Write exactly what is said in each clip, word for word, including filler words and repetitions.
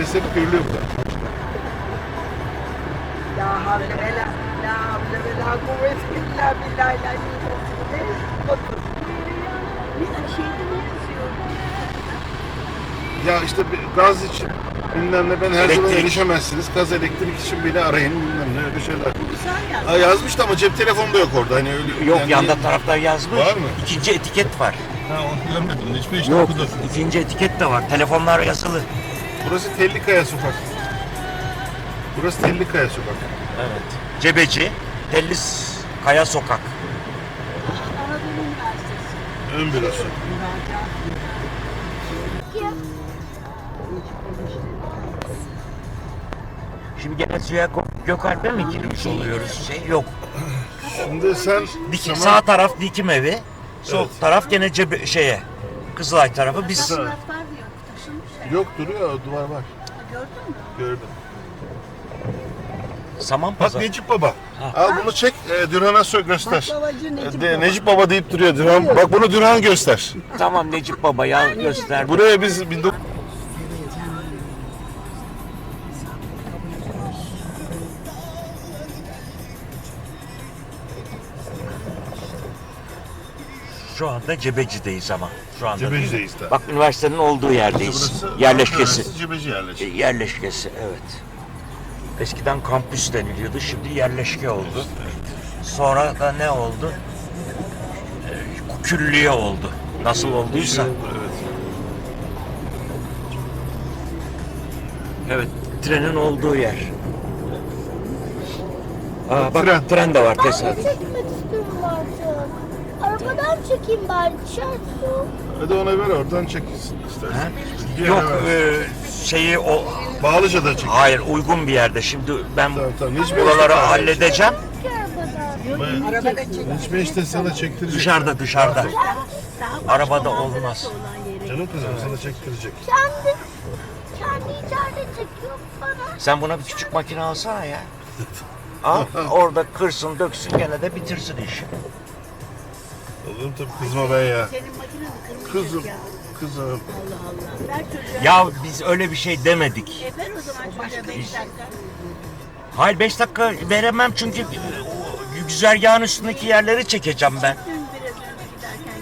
Neyse bir görülüyor burada. La havle ve la la havle ve la kuvvete illa billahi la Bir şeyde ne yazıyor? Ya işte bir gaz için bilmem ne ben her zaman Elektrik. erişemezsiniz. Gaz elektrik için bile arayın bilmem ne öyle şeyler. Güzel yani. Ha, yazmıştı ama cep telefonu da yok orada. Hani öyle, Yok yani- yanda tarafta yazmış. Var mı? İkinci etiket var. Ha onu görmedim. Hiçbir işte Yok okudu. ikinci etiket de var. Telefonlar yazılı. Burası Tellikaya Sokak. Burası Tellikaya Sokak. Evet. Cebeci, Tellis Kaya Sokak. Anadolu Üniversitesi. Ön bürosu. Şimdi gene suya Gökalp'e mi girmiş oluyoruz? Şey yok. Şimdi sen Dikim, tamam. Sağ taraf dikim evi, sol Evet. taraf gene cebe, şeye. Kızılay tarafı biz. Güzel. Surat var diyor. Taşınmış ya. Yok duruyor duvar var. Gördün mü? Gördüm. Saman Bak Pazar. Necip Baba. Al bunu çek. E, Dürhan'a sö göster. Bak babacı Necip De, Baba. Necip Baba deyip duruyor Dürhan. Bak bunu Dürhan göster. Tamam Necip Baba ya gösterdi. Buraya biz bin dokuz- Şu anda Cebeci'deyiz ama. Şu anda. Cebeci'deyiz de. Bak üniversitenin olduğu yerdeyiz. Burası Yerleşkesi. Üniversitesi Cebeci yerleşkesi. Yerleşkesi evet. Eskiden kampüs deniliyordu, şimdi yerleşke oldu. Sonra da ne oldu? Ee, Külliye oldu. Nasıl olduysa. Evet. Evet, trenin olduğu yer. Aa, bak Tren. tren, de var Ben de tesadüf. çekmek istiyorum artık. Arabadan çekeyim bari dışarı su. Hadi ona ver oradan çek istersen. Ha? Bir Yok, yere ver. e, şeyi o... Bağlıca'da çek. Hayır, uygun bir yerde. Şimdi ben Tamam, tamam. Hiçbir buraları işte- halledeceğim. Ki arabadan. Arabada çek. Hiçbir işte sana çektirecek. Dışarıda, dışarıda. Arabada olmaz. Canım kızım sana çektirecek. Kendi, kendi içeride çekiyor bana. Sen buna bir küçük makine alsana ya. Al, orada kırsın, döksün, gene de bitirsin işi. Oğlum tabii kızma ben ya. Senin makine mi kırmızı Kızım, ya? kızım. Allah Allah. Ver çocuğa. Ya biz öyle bir şey demedik. E ver o zaman çocuğa beş dakika. Hayır beş dakika veremem çünkü o güzergahın üstündeki yerleri çekeceğim ben. Dün biraz önce giderken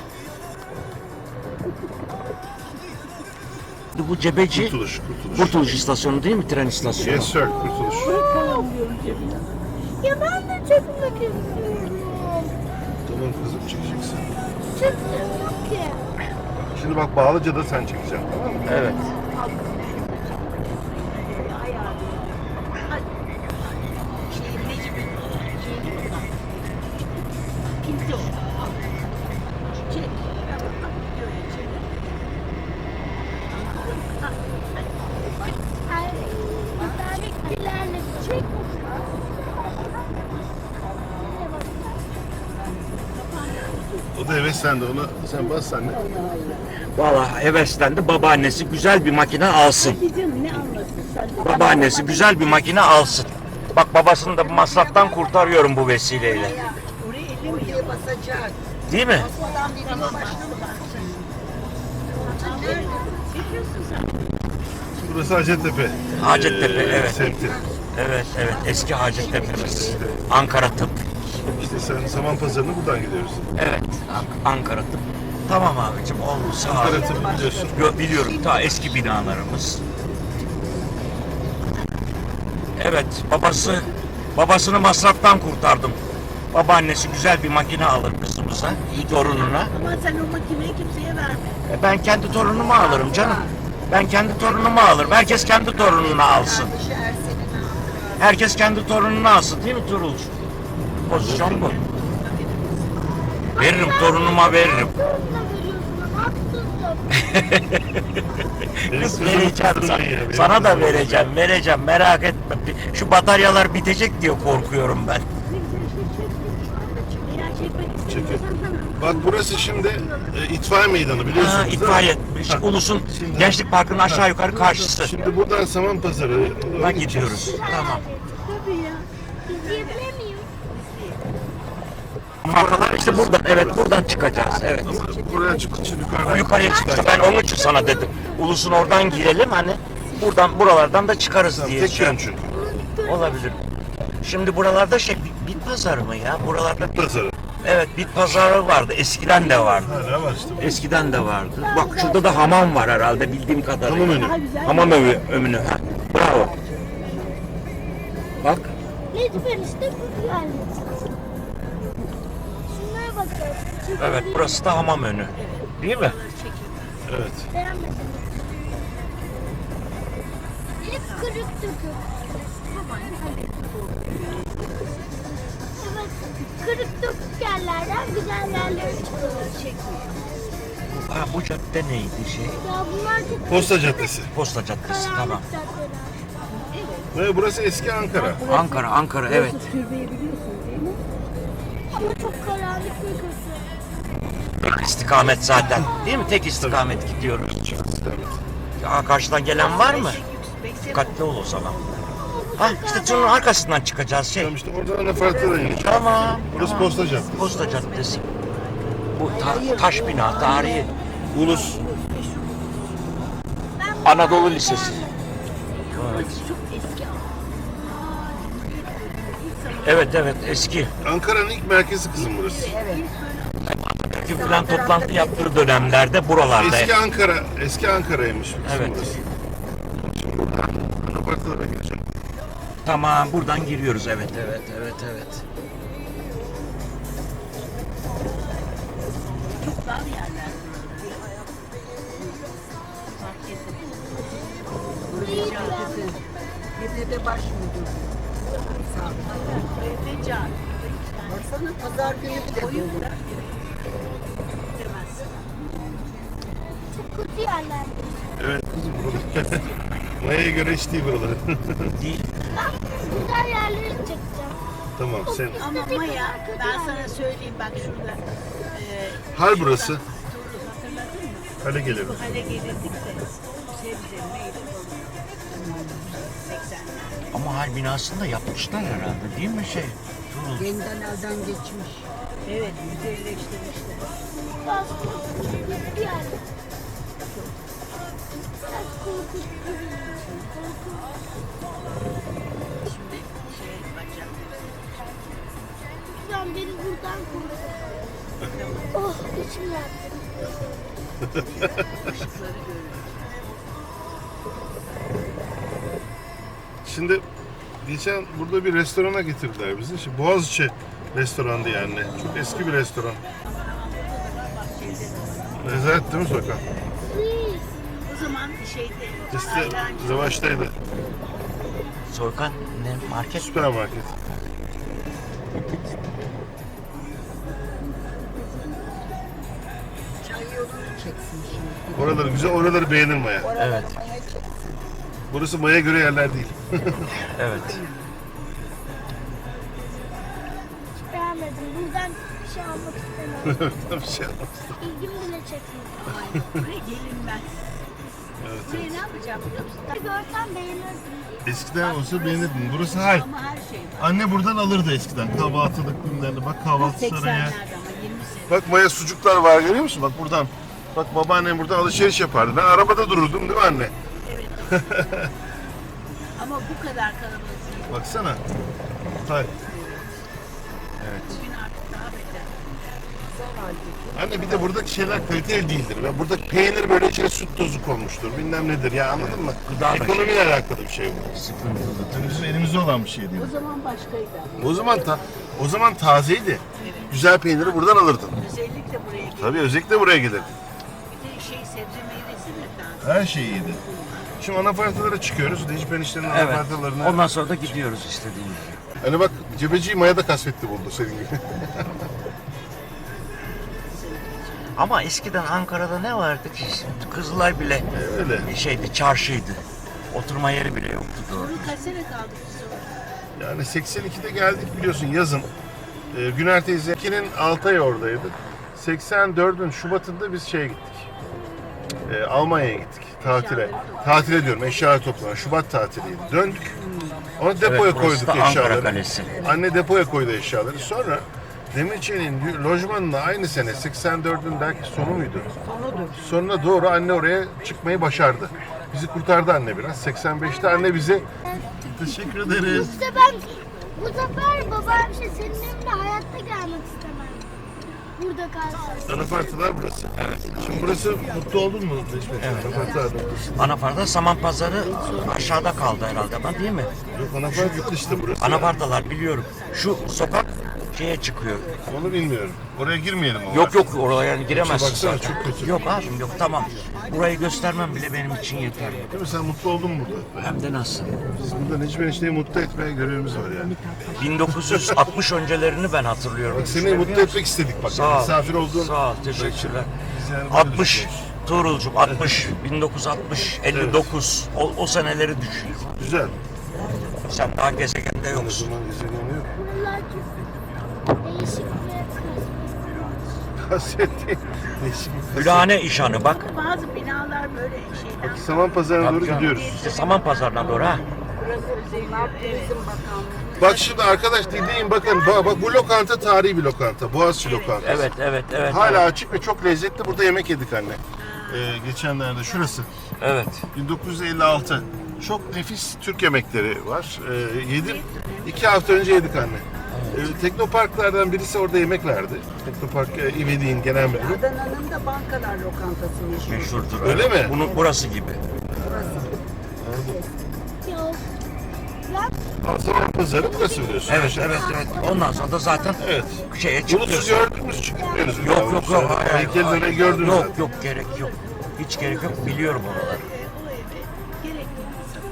gelirken. Bu Cebeci Kurtuluş, kurtuluş. Kurtuluş istasyonu değil mi? Tren istasyonu. Yes sir, kurtuluş. Bakalım diyorum cebine. Ya ben de çekmek istiyorum. Tamam kızım çekeceksin. Çektim yok ki. Şimdi bak Bağlıca'da sen çekeceksin tamam mı? Evet. Ayağı. Hadi. Şey Necip'in şeyini kullan. Pinti o. Al. Çek. Bak, bak, gidiyor ya, çek. Ha, hadi. Ay, bir tane ilerle çek. O da heveslendi ona. Sen bas sen de. Vallahi heveslendi. Babaannesi güzel bir makine alsın. Hadi canım ne anlasın sen? Babaannesi güzel bir makine alsın. Bak babasını da bu masraftan kurtarıyorum bu vesileyle. Oraya ellemiyor. Basacak. Değil mi? Adam video başına mı baksın? Nerede? Çekiyorsun sen. Burası Hacettepe. Hacettepe, Ee, evet. Semti. Evet, evet. Eski Hacettepe'miz. Ankara Tıp. İşte sen Saman Pazarı'na buradan gidiyoruz. Evet, Ank- Ankara Tıp. Tamam abicim, oldu sağ ol. Ankara Tıp'ı biliyorsun. Yo, biliyorum, ta eski binalarımız. Evet, babası, babasını masraftan kurtardım. Babaannesi güzel bir makine alır kızımıza, iyi torununa. Ama sen o makineyi kimseye verme. E, Ben kendi torunumu alırım canım. Ben kendi torunumu alırım. Herkes kendi torununu alsın. Kardeşi Ersen'in Herkes kendi torununu alsın değil mi Turul? Pozisyon bu. Veririm, torunuma veririm. Torununa veriyorsun. Haksızlık. Kız vereceğim sana. Sana da vereceğim, vereceğim. Merak etme. Şu bataryalar bitecek diye korkuyorum ben. Eğer çekmek Çekin. istiyorsan tamam. Bak burası şimdi e, itfaiye meydanı biliyorsunuz Ha, değil mi? itfaiye. Ha. Ulus'un Şimdi- Gençlik Parkı'nın aşağı yukarı karşısı. Şimdi buradan Saman Pazarı'na Bak gidiyoruz. Tamam. Tabii ya. İzleyebilir miyim? Markalar işte buradan, evet buradan çıkacağız. Evet. Buraya çıkınca yukarıdan. Yukarıya çıkacağız. Ben onun için sana dedim. Ulus'un oradan girelim hani buradan buralardan da çıkarız Tamam, diye. tek şey- yön çünkü. Olabilir. Şimdi buralarda şey bit, bit pazarı mı ya? Buralarda bit, Pazarı. evet bit pazarı vardı. Eskiden de vardı. Hala var işte. Eskiden de vardı. Bak şurada da hamam var herhalde bildiğim kadarıyla. Hamam önü. Hamam önü. önü. Ha, bravo. Bak. Lütfen işte bu geldi. Şunlara bakın. Çünkü Evet burası da hamam önü. Değil mi? Evet. beğenmedim. Hep kırık dökük. Evet, kırık dökük yerlerden güzel yerlere çıkıyor. Ha, bu cadde neydi şey? Ya bunlar çok Posta Caddesi. Posta Caddesi karanlık tamam. caddeler. Ve burası eski Ankara. Ankara, Ankara evet. Türbeyi biliyorsun değil mi? Ama çok karanlık ve kötü. Tek istikamet zaten. Değil mi? Tek istikamet gidiyoruz. Ya karşıdan gelen var mı? Dikkatli ol o zaman. Ha işte şunun arkasından çıkacağız şey. Tamam işte oradan anafartlara ineceğiz. Tamam. Burası tamam. Posta Caddesi. Posta Caddesi. Bu ta- taş bina, tarihi. Ulus. Ben bu Anadolu halde Lisesi. beğenmedim. Çok eski ama. Evet evet eski. Ankara'nın ilk merkezi kızım burası. Çünkü falan toplantı yaptığı dönemlerde buralarda. Eski Ankara, eski Ankara'ymış kızım Evet. burası. Şimdi buradan anafartlara gireceğim. Tamam buradan giriyoruz evet evet evet evet. Çok dar yerler. Burayı beğenmedim. Yedide baş müdür. Evde can. Baksana pazar günü bir de dolu. Çok kötü yerler. Evet kızım buralar. Maya'ya göre hiç değil buraları. Değil. Ben güzel yerlere çekeceğim. Tamam sen. Ama Maya ben sana söyleyeyim bak şurada. E, Hal burası. şurada, hatırladın mı? Hale gelelim. Bu hale gelirdik de sebze, meyve falan. seksenler. Ama hal binasını da yapmışlar herhalde değil mi şey? Tuğrul. Yeniden elden geçmiş. Evet, güzelleştirmişler. Biraz korkunç bir yer. Biraz korkunç. Korkunç. Şimdi şey bacak. Lütfen beni buradan koru. Oh içim yaktı. Işıkları görüyoruz. Şimdi geçen burada bir restorana getirdiler bizi. Şimdi Boğaziçi restorandı yani. Çok eski bir restoran. Rezalet değil mi sokak? Please. O zaman şeyde İşte ayrancı- Zavaş'taydı. Soykan ne market? Süpermarket. çay yolunu çeksin şimdi. Oraları güzel, oraları beğenir Maya. Evet. Burası Maya göre yerler değil. Evet. Hiç beğenmedim. Buradan bir şey almak istemiyorum. bir şey anlatayım. İlgim bile çekmiyor. Ay, buraya gelinmez. Evet, Buraya evet. ne yapacağım biliyor musun? Görsem beğenirdim. Eskiden olsa beğenirdin. Burası hal. Ama her şey var. Anne buradan alırdı eskiden. Kahvaltılık ürünlerini. Bak kahvaltı saraya. seksenlerde ama yirmi sene. Bak Maya sucuklar var görüyor musun? Bak buradan. Bak babaannem burada alışveriş yapardı. Ben arabada dururdum değil mi anne? Ama bu kadar kalabalık değil. Baksana. Hal. Bugün artık daha beter. Anne bir de buradaki şeyler kaliteli değildir. Ve buradaki peynir böyle içine süt tozu konmuştur. Bilmem nedir ya anladın mı? Gıda da Ekonomiyle alakalı bir şey bu. Sıkıntılı. Yani bizim elimizde olan bir şey değil. O zaman başkaydı ama. O zaman ta o zaman tazeydi. Güzel peyniri buradan alırdın. Özellikle buraya gelip Tabii özellikle buraya gelirdi. bir de şey sebze meyvesi de lazım. Her şey iyiydi. Şimdi anafartalara çıkıyoruz. Necip eniştenin Evet. anafartalarına. Ondan sonra da gidiyoruz istediğin gibi. Hani bak cebeciyi Maya da kasvetli buldu senin gibi. Ama eskiden Ankara'da ne vardı ki? Şimdi Kızılay bile Öyle. bir şeydi, çarşıydı. Oturma yeri bile yoktu doğru. Bunu kaç sene kaldık biz orada? Yani seksen ikide geldik biliyorsun yazın. Ee, Güner teyzenin altı ay oradaydık. seksen dördün Şubat'ında biz şeye gittik. Ee, Almanya'ya gittik tatile. Tatile diyorum eşyalar toplanan. Şubat tatiliydi. Döndük. Onu depoya Evet, burası koyduk da Ankara eşyaları. Kalesi. Anne depoya koydu eşyaları. Sonra Demirçe'nin lojmanına aynı sene seksen dördün belki sonu muydu? Sonudur. Sonuna doğru anne oraya çıkmayı başardı. Bizi kurtardı anne biraz. seksen beşte anne bize teşekkür ederiz. İşte ben bu sefer babam şey senin evine hayatta gelmek istemem. Burada kalsın. Anafartılar burası. Evet. Şimdi burası mutlu oldun mu? Evet. Anafartılar noktası. Anafarda saman pazarı aşağıda kaldı herhalde ama değil mi? Yok anafart yurt işte burası. Anafardalar biliyorum. Şu sokak şeye çıkıyor. Onu bilmiyorum. Oraya girmeyelim ama. Yok yok oraya giremezsin Baksana, zaten. çok kötü. Yok abim yok tamam. Burayı göstermem bile benim için yeterli. Değil mi? Sen mutlu oldun mu burada? Hem de nasıl? Biz burada Necmi Enişte'yi mutlu etmeye görevimiz var yani. bin dokuz yüz altmış öncelerini ben hatırlıyorum. Bak seni mutlu etmek istedik bak. Sağ ol. Misafir olduğun. Sağ ol, teşekkürler. Biz yani böyle altmış düşünüyoruz. Tuğrul'cum altmış, bin dokuz yüz altmış, elli dokuz o, o seneleri düşün. Güzel. Sen daha gezegende O yoksun. zaman gezegen yok. Buralar çok değişik ve Kaset değil. Değişik bir kaset. Gülhane işanı bak. Bazı binalar böyle şeyden. Bak Saman Pazarı'na doğru Bak, gidiyoruz. İşte saman pazarına doğru ha. Burası bunlar Turizm Bakanlığı. Bak şimdi arkadaş dinleyin bakın. Bak, bak bu lokanta tarihi bir lokanta. Boğaziçi lokantası. Evet evet evet. Hala evet. açık ve çok lezzetli. Burada yemek yedik anne. Ee, geçenlerde şurası. Evet. bin dokuz yüz elli altı. Çok nefis Türk yemekleri var. Ee, yedim. İki hafta önce yedik anne. Ee, Teknoparklardan birisi orada yemek verdi. Teknopark e, İvedik'in genel müdürü. Adana'nın da bankalar lokantası meşhur. Meşhurdur. Öyle mi? Bunun burası gibi. yok. Saman Pazarı burası biliyorsun. Evet evet evet. Ondan sonra da zaten Evet. şeye Bulutsuz çıkıyorsun. gördünüz çıkmıyoruz. Yok yok yok. hayır, hayır, Heykelleri hayır. gördünüz Yok zaten. yok gerek yok. Hiç gerek yok. Biliyorum oraları. Gerekli.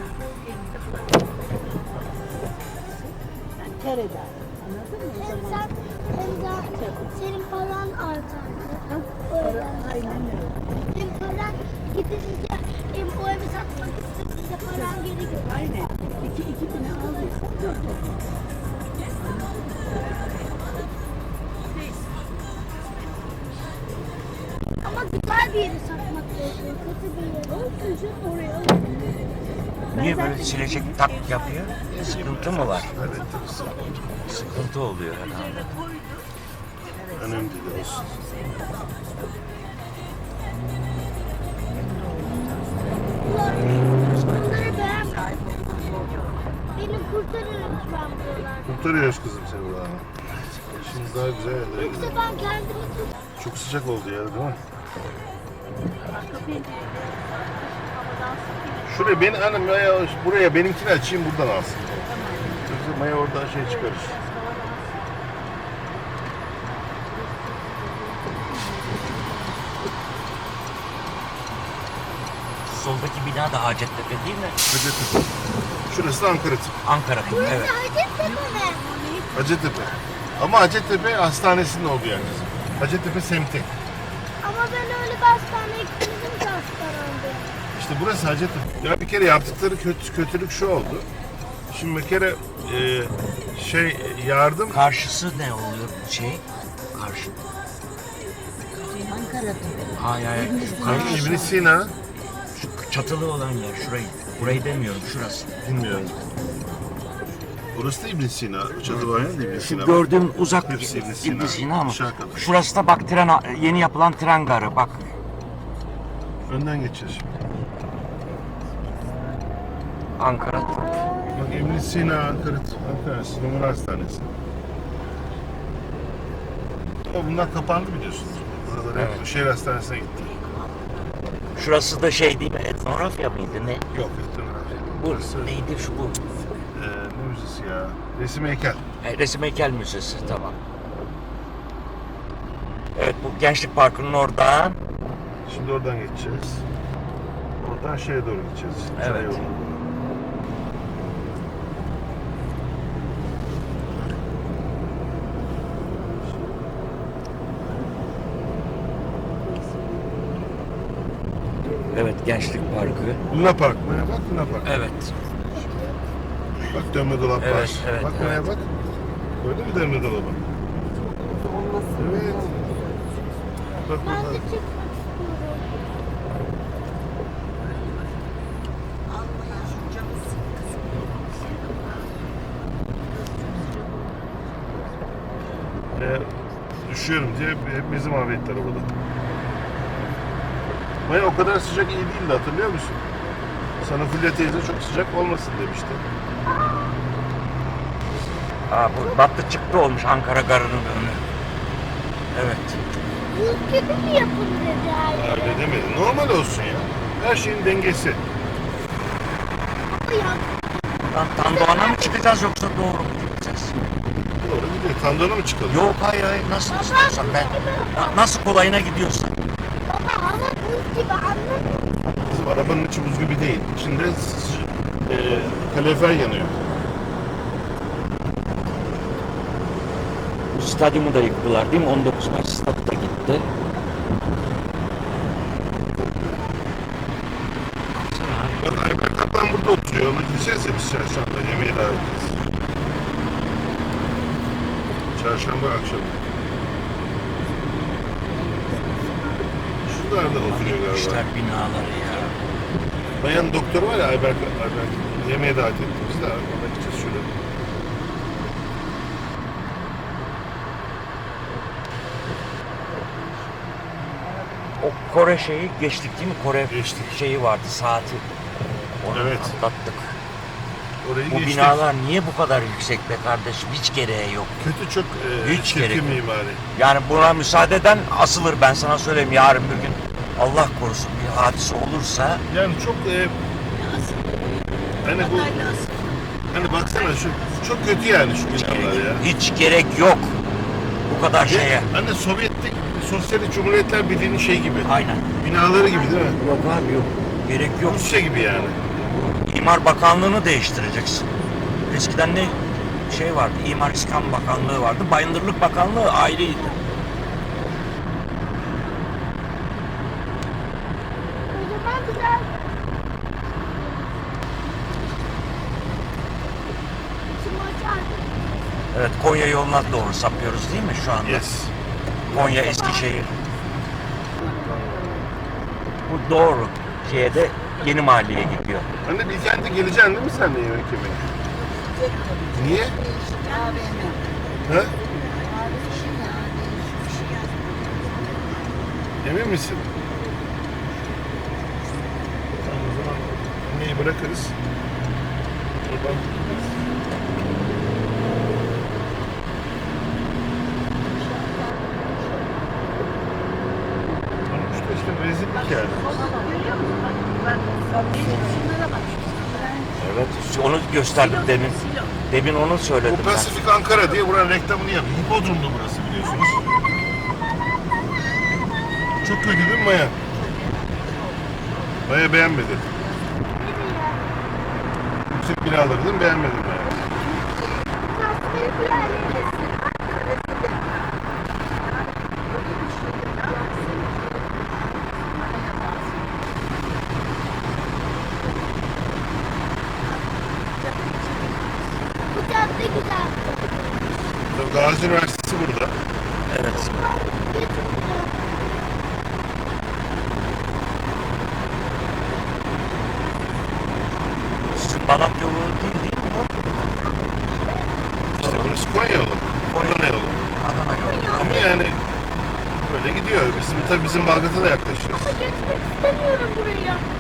Kereden. Anladın mı? Hem sen hem de senin paran artar. Öyle. Aynen öyle. Hem paran gidince hem o evi satmak istediğinde paran geri gelir. Aynen. İki, iki bine aldıysan dört olur. Ama güzel bir yeri satmak gerekiyor. Kötü bir yeri. Olsun canım oraya. Niye böyle silecek tak yapıyor? Sıkıntı mı var? Evet, tabii. Sıkıntı oluyor herhalde. Önemli değil olsun. Bunları beğenmedim. Beni kurtarın lütfen buralar. Kurtarıyoruz kızım seni buradan. Şimdi daha güzel yerlere Yoksa gidelim. ben kendimi tut. Çok sıcak oldu ya değil mi? Şuraya beni hanım Maya buraya benimkini açayım buradan alsın. Yoksa Maya oradan şey çıkarır. Soldaki bina da Hacettepe değil mi? Hacettepe. Şurası da Ankara tip. Ankara. Evet. Hacettepe mi? Hacettepe. Ama Hacettepe hastanesinin olduğu yer kızım. Hacettepe semti. Ama ben öyle bir hastaneye gitmedim ki hastanede. İşte burası Hacettepe. Ya bir kere yaptıkları kötü, kötülük şu oldu. Şimdi bir kere e, şey yardım Karşısı ne oluyor şey? Karşı. Ankara'da. Hayır hayır. Şu karşı. İbn Sina Şu çatılı olan yer şurayı. Burayı demiyorum şurası. bilmiyorum. Burası da İbn Sina. Çadı var ya da İbn Şu Sina. gördüğüm uzak Hepsi İbn Sina. İbn Sina ama Aşağı kadar. şurası da bak tren yeni yapılan tren garı bak. Önden geçeceğiz şimdi. Ankara. Bak İbn Sina Ankara Ankara Numara Hastanesi. Ama bunlar kapandı biliyorsunuz. Buraları hep Evet. şehir hastanesine gitti. Şurası da şey değil mi? Etnografya mıydı ne? Yok ettiler. Bu Burası neydi şu bu? e, ne müzesi ya? Resim heykel. E, Resim Heykel Müzesi tamam. Evet bu Gençlik Parkı'nın oradan. Şimdi oradan geçeceğiz. Oradan şeye doğru gideceğiz. Evet. Çay yoluna doğru. Evet Gençlik Parkı. Luna Park mı? Bak Luna Park. Evet. Bak dönme dolap Evet, var. evet, bak evet. buraya bak. Gördün mü dönme dolabı? Evet. Bak Ben de burada. çıkmak istiyorum. Ee, düşüyorum diye hep bizi mahvettiler arabada. Maya o kadar sıcak iyi değildi hatırlıyor musun? Sana Fulya teyze çok sıcak olmasın demişti. Aa, bu battı çıktı olmuş Ankara Garı'nın önü. Evet. Buz gibi mi yapın dedi her yere? Öyle demedi. Normal olsun ya. Her şeyin dengesi. Ama ya Lan Tandoğan'a mı çıkacağız yoksa doğru mu gideceğiz? Doğru gidiyor. Tandona mı çıkalım? Yok hayır hayır nasıl istiyorsan ben. Na- Nasıl kolayına gidiyorsan. baba hava buz gibi anladın mı? Bizim arabanın içi buz gibi değil. İçinde s- e, kalorifer yanıyor. Bu stadyumu da yıktılar değil mi? on dokuz Mayıs stadı da gitti. Bak Ayber Kaplan burada oturuyor. Ona gideceğiz ya biz çarşamba. Yemeğe davet edeceğiz. Çarşamba akşamı. Şuralarda oturuyor galiba. İşler binaları ya. Bayan doktor var ya Ayber, Ayber yemeğe davet etti. Biz de ona gideceğiz şurada. O Kore şeyi geçtik değil mi? Kore Geçtik. şeyi vardı saati. Onu Evet. atlattık. Orayı Bu geçtik. binalar niye bu kadar yüksek be kardeşim? Hiç gereği yok. Kötü çok e, Hiç gerek çirkin yok. mimari. Yani buna müsaade eden asılır ben sana söyleyeyim. Yarın bir gün Allah korusun bir hadise olursa Yani çok e, hani bu hani baksana şu çok kötü yani şu binalar ya. hiç gerek yok bu kadar Ve şeye. Hani Sovyetlik Sosyalist Cumhuriyetler Birliği'nin şey gibi. Aynen. Binaları gibi değil mi? Yok abi yok. Gerek yok. Rusya gibi yani. İmar Bakanlığı'nı değiştireceksin. Eskiden ne şey vardı, İmar İskan Bakanlığı vardı, Bayındırlık Bakanlığı ayrıydı. O zaman güzel. Şimdi açardım. Evet, Konya yoluna doğru sapıyoruz değil mi şu anda? Yes. Konya, Eskişehir. Bu doğru. Şeye de Yeni Mahalle'ye gidiyor. Anne Bilkent'e geleceksin değil mi sen de yemek yemeye? Niye? Ha? Emin misin? Tamam o zaman anneyi bırakırız. Oradan işte, işte rezillik yani. Şunlara bak. Evet, onu gösterdim demin. Demin onu söyledim Bu ben. Pasifik Ankara diye buranın reklamını yapıyor. Hipodrom'da burası biliyorsunuz. Çok kötü değil mi Maya? Maya beğenmedi. Yüksek binalarını beğenmedim Maya. Tasvir bir yerlerimiz. Bu cadde güzel. Tabii Gazi Üniversitesi burada. Evet. Sizin Balat yolu değil değil mi bu? İşte burası Konya yolu. Adana yolu. Adana yolu. Ama yani böyle gidiyor. Bizim tabii bizim Balgat'a da yaklaşıyoruz. Geçmek istemiyorum buraya.